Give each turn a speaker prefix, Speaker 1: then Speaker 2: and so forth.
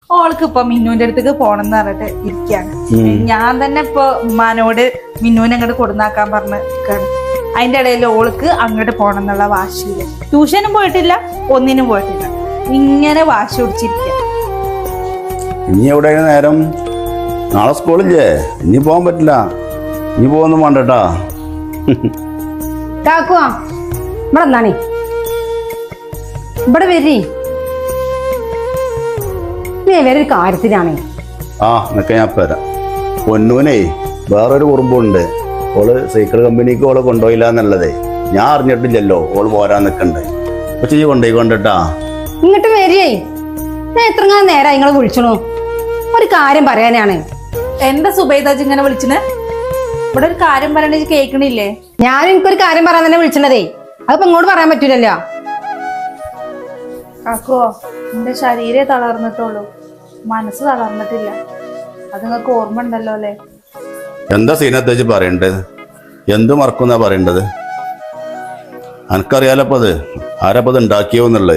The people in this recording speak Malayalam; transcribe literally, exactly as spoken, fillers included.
Speaker 1: ഓൾക്ക് ഇപ്പൊ മിന്നുവിന്റെ അടുത്തേക്ക് പോണെന്ന് പറഞ്ഞിട്ട് ഇരിക്കാണ്. ഞാൻ തന്നെ ഇപ്പൊ ഉമ്മാനോട് മിന്നുവിനെ അങ്ങോട്ട് കൊടുന്നാക്കാൻ പറഞ്ഞ് നിൽക്കാണ്. അതിന്റെ ഇടയിൽ ഓൾക്ക് അങ്ങോട്ട് പോണം എന്നുള്ള വാശിയില് ട്യൂഷനും പോയിട്ടില്ല, ഒന്നിനും പോയിട്ടില്ല, ഇങ്ങനെ വാശി പിടിച്ചിരിക്ക.
Speaker 2: ഇനി എവിടെ നേരം? നാളെ സ്കൂളില്ലേ? ഇനി പോകാൻ പറ്റില്ല. ഇനി പോകുന്നു വേണ്ടട്ടാ.
Speaker 3: കാക്കുവാ ഇവിടെ എന്നാണേ ഇവിടെ വരി. വേറൊരു കാര്യത്തിനാണേ.
Speaker 2: ആ എന്നൊക്കെ ഞാൻ വരാം. പൊന്നൂനെ വേറൊരു കുറുമ്പുണ്ട്. ഓള് സൈക്കിൾ കമ്പനിക്ക് ഓള് കൊണ്ടുപോയില്ല എന്നുള്ളതേ ഞാൻ അറിഞ്ഞിട്ടില്ലല്ലോ. ഓള് പോരാൻ നിൽക്കണ്ടേ. അപ്പൊ ചെയ്യ കൊണ്ടുപോയി കൊണ്ടിട്ടാ.
Speaker 3: ഇങ്ങോട്ട് വരിയേ. ഞാൻ എത്രങ്ങാനും നേരം നിങ്ങളെ വിളിച്ചണു. ഒരു കാര്യം പറയാനാണ്.
Speaker 1: എന്താ സുബൈദാജ് ഇങ്ങനെ വിളിച്ചിന്? ഇവിടെ ഒരു കാര്യം പറയണ കേൾക്കണില്ലേ?
Speaker 3: ഞാൻ എനിക്കൊരു കാര്യം പറയാൻ തന്നെ വിളിച്ചണതേ. അതിപ്പോ ഇങ്ങോട്ട് പറയാൻ പറ്റൂലല്ലോ.
Speaker 1: കാക്കോ, എന്റെ ശരീരം തളർന്നിട്ടുള്ളൂ, മനസ്സ് തളർന്നിട്ടില്ല. അത് നിങ്ങൾക്ക് ഓർമ്മ ഉണ്ടല്ലോ അല്ലേ?
Speaker 2: എന്താ സീനത്തേച്ച് പറയേണ്ടത്? എന്ത് മറക്കുന്നാ പറയേണ്ടത്? എനിക്കറിയാലപ്പത് ആരപ്പത് ഉണ്ടാക്കിയോ എന്നുള്ളത്.